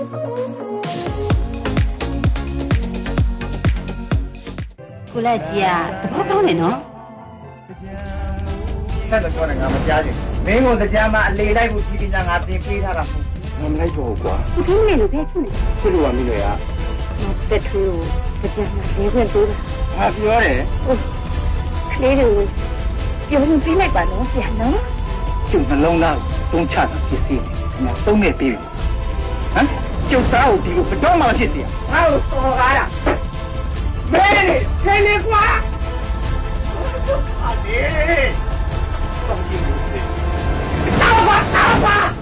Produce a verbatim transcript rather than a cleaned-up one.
ကိုလက်ကြီးอ่ะတဘောကောင်းနေနော်ဆက်တော့ပြောနေငါမကြားချင်မင်းတို့တရားမှာအလေလိုက်ဖို့ကြီးကြီးငါတင်ပေးထားတာမဟုတ်ငါမလိုက်တော့ဘူးကွာကိုထင်းနေလို့ပဲချွနေချစ်လို့ကမင်းလေကတက်ထွေးကိုတရားမှာနေခွင့်ပေးတာငါပြောတယ်ဟုတ်ကလေးတို့ပြောနေပြလိုက်ပါနော်ဆရာနော်ကျုပ်နှလုံးသားသုံးချတာဖြစ်စီတယ်ငါသုံးခဲ့ပြီးပြီဟမ်ကျုပ်သားကိုဒီလိုဘယ်တော့မှဖြစ်စီရငါ့ကိုစော်ကားတာမင်းနေဆင်းနေကွာဟာလေတော့ကြည့်လို့တောက်ပါတောက်ပါ